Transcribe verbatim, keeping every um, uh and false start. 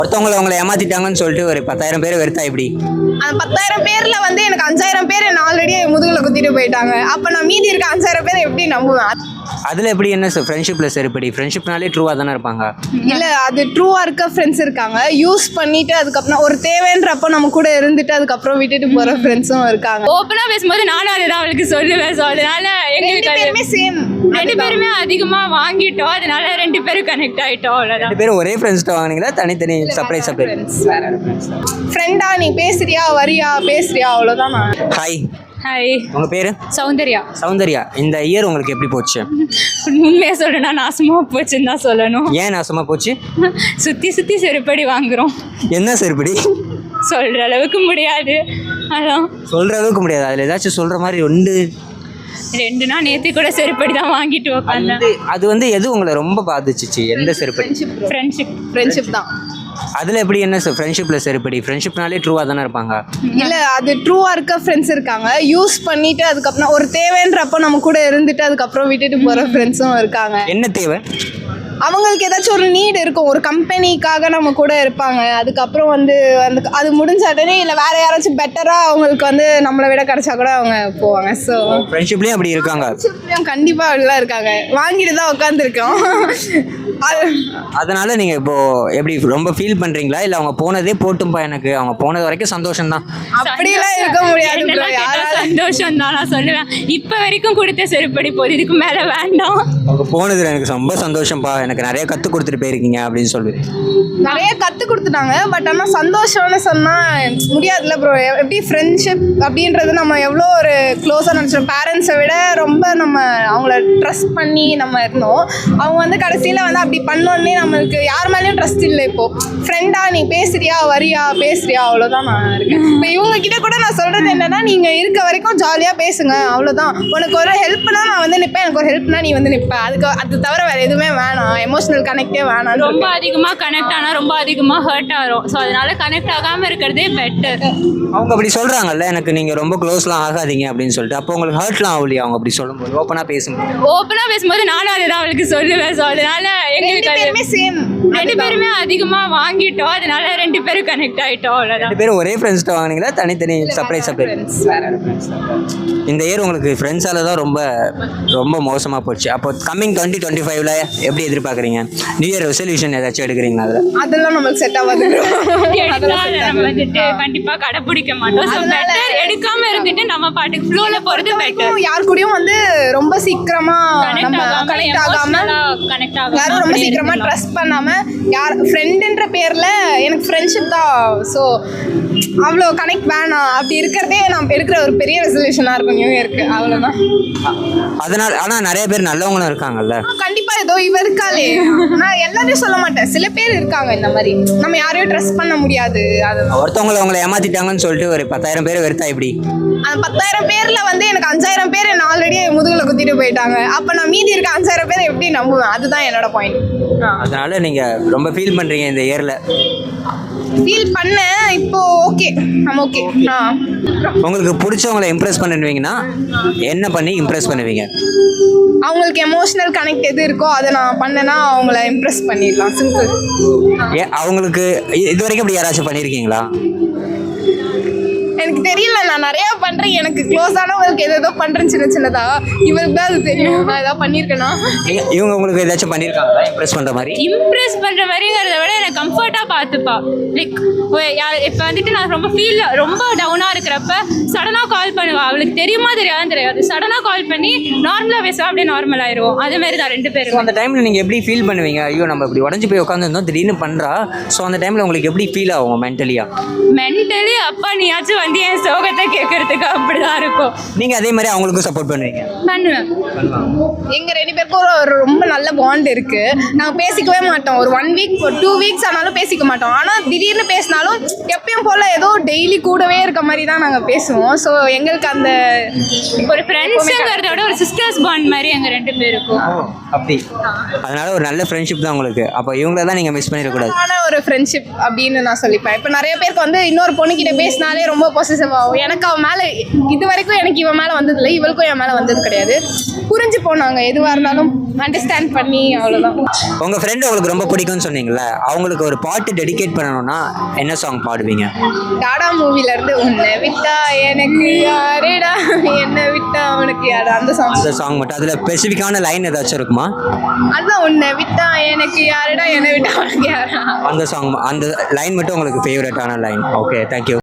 ஒருத்தவங்களை அவங்களை ஏமாத்திட்டாங்கன்னு சொல்லிட்டு ஒரு பத்தாயிரம் பேர் வெறுத்தா எப்படி? அந்த பத்தாயிரம் பேர்ல வந்து எனக்கு அஞ்சாயிரம் பேர் என்ன ஆல்ரெடி முதுகுல குத்திட்டு போயிட்டாங்க. அப்ப நான் மீதி இருக்க அஞ்சாயிரம் பேர் எப்படி நம்புவேன்? அதுல எப்படி என்ன ஃப்ரெண்ட்ஷிப்ல சரிப்படி? ஃப்ரெண்ட்ஷிப்னாலே ட்ரூவா தானே இருப்பாங்க. இல்ல அது ட்ரூவா இருக்க ஃப்ரெண்ட்ஸ் இருக்காங்க. யூஸ் பண்ணிட்டு அதுக்கப்புறம் ஒரு தேவைன்றப்ப நம்ம கூட இருந்துட்டு அதுக்கப்புறம் விட்டுட்டு போற ஃப்ரெண்ட்ஸும் இருக்காங்க. ஓப்பனா பேசும்போது நானும் அதுதான் அவளுக்கு சொல்லுவேன். ஸோ அதனால எங்களுக்கு சேம் ரெண்டு பேருமே அதிகமா வாங்கிட்டோம். அதனால ரெண்டு பேரும் கனெக்ட் ஆயிட்டோம். அவ்வளவுதான். ரெண்டு பேரும் ஒரே ஃப்ரெண்ட்ஸ்ட்ட வாங்குனீங்களா தனித்தனி செப்பரேட் செப்பரேட்? ஃப்ரெண்டா நீ பேசுறியா வரியா பேசுறியா அவ்வளவுதான். ஹாய். ஹாய். உங்க பேரு? சௌந்தர்யா. சௌந்தர்யா, இந்த இயர் உங்களுக்கு எப்படி போச்சு? உண்மையா சொல்லணும்னா நாசமா போச்சுன்னு தான் சொல்லணும். ஏன் நாசமா போச்சு? சுத்தி சுத்தி செருப்படி வாங்குறோம். என்ன செருப்படி? சொல்ற அளவுக்கு முடியாது. அதான் சொல்ற அளவுக்கு முடியாது. அதுல ஏதாச்சும் சொல்ற மாதிரி ஒன்று ரெண்டுனா நேற்று கூட செருப்படி தான் வாங்கிட்டு உட்காந்தேன். அது வந்து எது உங்களை ரொம்ப பாதிச்சிச்சு? எந்த செருப்படி? ஃப்ரெண்ட்ஷிப். ஃப்ரெண்ட்ஷிப் தான். அதுல எப்படி என்ன ஃப்ரெண்ட்ஷிப்ல சரிப்படி? ஃப்ரெண்ட்ஷிப்னாலே ட்ரூவா தானே இருப்பாங்க. இல்ல அது ட்ரூவா இருக்க ஃப்ரெண்ட்ஸ் இருக்காங்க. யூஸ் பண்ணிட்டு அதுக்கப்புறம் ஒரு தேவைன்றப்ப நம்ம கூட இருந்துட்டு அதுக்கப்புறம் விட்டுட்டு போற ஃப்ரெண்ட்ஸும் இருக்காங்க. என்ன தேவை? அவங்களுக்கு ஏதாச்சும் ஒரு நீட் இருக்கும். ஒரு கம்பெனிக்காக நம்ம கூட இருப்பாங்க. அதுக்கப்புறம் வந்து அந்த அது முடிஞ்ச உடனே இல்லை வேற யாராச்சும் பெட்டரா அவங்களுக்கு வந்து நம்மளை விட கிடைச்சா கூட அவங்க போவாங்க. ஸோ ஃப்ரெண்ட்ஷிப்லேயும் அப்படி இருக்காங்க. கண்டிப்பா அப்படிலாம் இருக்காங்க. வாங்கிட்டு தான் உட்காந்துருக்கோம். அதனால நீங்க இப்போ எப்படி ரொம்ப ஃபீல் பண்றீங்களா? இல்ல அவங்க போனதே போட்டும்பா, எனக்கு அவங்க போனது வரைக்கும் சந்தோஷம் தான் அப்படிலாம் இருக்க முடியாது. சந்தோஷம் தான் நான் சொல்லுவேன். இப்ப வரைக்கும் கொடுத்த செருப்படி போகுது, இதுக்கு மேல வேண்டாம். அவங்க போனதுல எனக்கு ரொம்ப சந்தோஷம்ப்பா, எனக்கு நிறைய கத்து கொடுத்துட்டு போயிருக்கீங்க அப்படின்னு சொல்லுவேன். நிறைய கத்து கொடுத்துட்டாங்க. பட் ஆனா சந்தோஷம்னு சொன்னா முடியாதுல்ல ப்ரோ. எப்படி ஃப்ரெண்ட்ஷிப் அப்படின்றது நம்ம எவ்வளோ ஒரு க்ளோஸாக நினச்சோம். பேரண்ட்ஸை விட ரொம்ப நம்ம அவங்கள ட்ரஸ்ட் பண்ணி நம்ம இருந்தோம். அவங்க வந்து கடைசியில் வந்து அப்படி பண்ணோன்னே நம்மளுக்கு யார் மேலேயும் ட்ரஸ்ட் இல்லை. இப்போது ஃப்ரெண்டா நீ பேசுறியா வரியா பேசுறியா அவ்வளோதான் நான் இருக்கேன். இப்போ இவங்க கிட்ட கூட நான் சொல்கிறது என்னன்னா, நீங்கள் இருக்க வரைக்கும் ஜாலியாக பேசுங்க அவ்வளோதான். உனக்கு ஒரு ஹெல்ப்னா நான் வந்து நிற்பேன், எனக்கு ஒரு ஹெல்ப்னா நீ வந்து நிற்பேன். அதுக்கு அது தவிர வேறு எதுவுமே வேணாம். எமோஷனல் கனெக்டே வேணாம். ரொம்ப அதிகமாக கனெக்ட் ஆனால் ரொம்ப அதிகமாக ஹர்ட் ஆகும். ஸோ அதனால கனெக்ட் ஆகாமல் இருக்கிறதே பெட்டர். அவங்க அப்படி சொல்றாங்கல்ல, எனக்கு நீங்க ரொம்ப க்ளோஸ்லாம் ஆகாதீங்க அப்படின்னு சொல்லிட்டு, அப்போ உங்களுக்கு ஹர்ட்லாம் ஆகலையா அவங்க அப்படி சொல்லும்போது? ஓப்பனா பேசும்போது ஓப்பனா பேசும்போது நானும் அதுதான் அவளுக்கு சொல்லுவேன். ஸோ அதனால எங்களுக்கு சேம் ரெண்டு பேருமே அதிகமாக வாங்கிட்டோம். அதனால ரெண்டு பேரும் கனெக்ட் ஆகிட்டோம். அவ்வளோதான். ரெண்டு பேரும் ஒரே ஃப்ரெண்ட்ஸ்ட்ட வாங்குனீங்களா தனித்தனி செப்பரேட் செப்பரேட்? இந்த இயர் உங்களுக்கு ஃப்ரெண்ட்ஸால தான் ரொம்ப ரொம்ப மோசமாக போச்சு. அப்போ கம்மிங் டுவெண்ட்டி டுவெண்ட்டி ஃபைவ்ல எப்படி எதிர்பார்க்குறீங்க? நியூ இயர் ரெசல்யூஷன் ஏதாச்சும் எடுக்கிறீங்களா? அதில் அதெல்லாம் நம்மளுக்கு செட் ஆகாது. நம்ம வந்துட்டு கண்டிப்பாக கடைப்பிடிக்க மாட்டோம். ஸோ பெட்டர் எடுக்காம இருந்துட்டு நம்ம பாட்டுக்கு ஃப்ளோல போகிறது பெட்டர். யார் கூடயும் வந்து ரொம்ப சீக்கிரமா நம்ம கனெக்ட் ஆகாம கனெக்ட் ஆகாம யாரும் ரொம்ப சீக்கிரமா ட்ரஸ்ட் பண்ணாம யார் ஃப்ரெண்டுன்ற பேர்ல எனக்கு ஃப்ரெண்ட்ஷிப் தான். ஸோ அவ்வளோ கனெக்ட் வேணாம். அப்படி இருக்கிறதே நான் எடுக்கிற ஒரு பெரிய ரெசல்யூஷனாக இருக்கும் நியூ இயர்க்கு. அவ்வளோதான். அதனால ஆனால் நிறைய பேர் நல்லவங்களும் இருக்காங்கல்ல. கண்டிப்பா ஏதோ இவ இருக்காளே, நான் எல்லாரையும் சொல்ல மாட்டேன். சில பேர் இருக்காங்க இந்த மாதிரி, நம்ம யாரையும் ட்ரஸ்ட் பண்ண முடியாது. அது ஒருத்தவங்களை அவங்களை ஏமாத்திட்டாங்கன்னு சொல்லிட்டு ஒரு பத்தாயிரம் பேர் வெறுத்தா எப்படி? அந்த பத்தாயிரம் பேர்ல வந்து எனக்கு அஞ்சாயிரம் பேர் என்ன ஆல்ரெடி முதுகுல குத்திட்டு போயிட்டாங்க. அப்ப நான் மீதி இருக்க அஞ்சாயிரம் பேர் எப்படி நம்புவேன்? அதுதான் என்னோட பாயிண்ட். அதனால நீங்க ரொம்ப ஃபீல் பண்றீங்க இந்த இயர்ல? ஃபீல் பண்ணேன். இப்போ ஓகே, நம்ம ஓகே. ஆ உங்களுக்கு பிடிச்சவங்களை இம்ப்ரெஸ் பண்ணுவீங்கன்னா என்ன பண்ணி இம்ப்ரெஸ் பண்ணுவீங்க? அவங்களுக்கு எமோஷனல் கனெக்ட் எது இருக்கோ அதை நான் பண்ணேன்னா அவங்கள இம்ப்ரெஸ் பண்ணிடலாம். சிம்பிள். ஏ அவங்களுக்கு இது வரைக்கும் இப்படி யாராச்சும் பண்ணியிருக்கீங்களா? எனக்கு தெரியல, நான் நிறைய பண்றேன். எனக்கு க்ளோஸ் ஆனவங்களுக்கு எது ஏதோ பண்றேன் சின்ன சின்னதா. இவருக்கு தான் அது தெரியும் நான் ஏதாவது பண்ணியிருக்கேனா. இவங்க உங்களுக்கு ஏதாச்சும் பண்ணியிருக்காங்களா இம்ப்ரெஸ் பண்ற மாதிரி? இம்ப்ரெஸ் பண்ற மாதிரிங்கிறத விட எனக்கு கம்ஃபர்ட்டா பார்த்துப்பா. லைக் இப்போ வந்துட்டு நான் ரொம்ப ஃபீல் ரொம்ப டவுனா இருக்கிறப்ப சடனா கால் பண்ணுவா. அவளுக்கு தெரியுமா தெரியாதுன்னு தெரியாது. சடனா கால் பண்ணி நார்மலா பேசுவா, அப்படியே நார்மல் ஆயிடுவோம். அதே மாதிரி தான் ரெண்டு பேரும். அந்த டைம்ல நீங்க எப்படி ஃபீல் பண்ணுவீங்க? ஐயோ நம்ம இப்படி உடஞ்சு போய் உட்காந்துருந்தோம், திடீர்னு பண்றா. ஸோ அந்த டைம்ல உங்களுக்கு எப்படி ஃபீல் ஆகும் மென்டலியா? மென்டலி அப்பா நீயாச்சும் வந்து என் சோகத்தை கேட்கறதுக்கு அப்படிதான் இருக்கும். நீங்க அதே மாதிரி அவங்களுக்கும் சப்போர்ட் பண்ணுவீங்க? பண்ணுவேன். எங்க ரெண்டு பேருக்கும் ஒரு ரொம்ப நல்ல பாண்ட் இருக்கு. நாங்கள் பேசிக்கவே மாட்டோம். ஒரு ஒன் வீக் ஒரு டூ வீக்ஸ் ஆனாலும் பேசிக்க மாட்டோம். ஆனால் திடீர்னு பேசினாலும் எப்பயும் போல ஏதோ டெய்லி கூடவே இருக்க மாதிரி தான் நாங்கள் பேசுவோம். ஸோ எங்களுக்கு அந்த ஒரு ஃப்ரெண்ட்ஸுங்கிறத விட ஒரு சிஸ்டர்ஸ் பாண்ட் மாதிரி எங்கள் ரெண்டு பேருக்கும். அப்படி அதனால ஒரு நல்ல ஃப்ரெண்ட்ஷிப் தான் உங்களுக்கு. அப்போ இவங்கள தான் நீங்கள் மிஸ் பண்ணிடக்கூடாது. ஒரு ஃப்ரெண்ட்ஷிப் அப்படின்னு நான் சொல்லிப்பேன். இப்போ நிறைய பேருக்கு வந்து இன்னொரு பொண்ணுக்கிட்ட பேசினாலே ரொம்ப பொசசிவ் ஆகும். எனக்கு அவன் மேலே இது வரைக்கும் எனக்கு இவன் மேலே வந்ததில்லை, இவளுக்கும் என் மேலே வந்தது கிடையாது. புரிஞ்சு போனாங்க, எதுவாக இருந்தாலும் அண்டர்ஸ்டாண்ட் பண்ணி, அவ்வளோதான். உங்கள் ஃப்ரெண்டு உங்களுக்கு ரொம்ப பிடிக்கும்னு சொன்னீங்களே, அவங்களுக்கு ஒரு பாட்டு டெடிகேட் பண்ணணும்னா என்ன சாங் பாடுவீங்க? டாடா மூவிலேருந்து உன்னை விட்டா எனக்கு யாரேடா, என்னை விட்டா உனக்கு யாரா, அந்த சாங். அந்த சாங் மட்டும், அதில் ஸ்பெசிஃபிக்கான லைன் ஏதாச்சும் இருக்குமா? அதுதான், உன்னை விட்டா எனக்கு யாரேடா, என்னை விட்டா உனக்கு யாரா, அந்த சாங், அந்த லைன் மட்டும் உங்களுக்கு ஃபேவரட்டான லைன். Okay, thank you.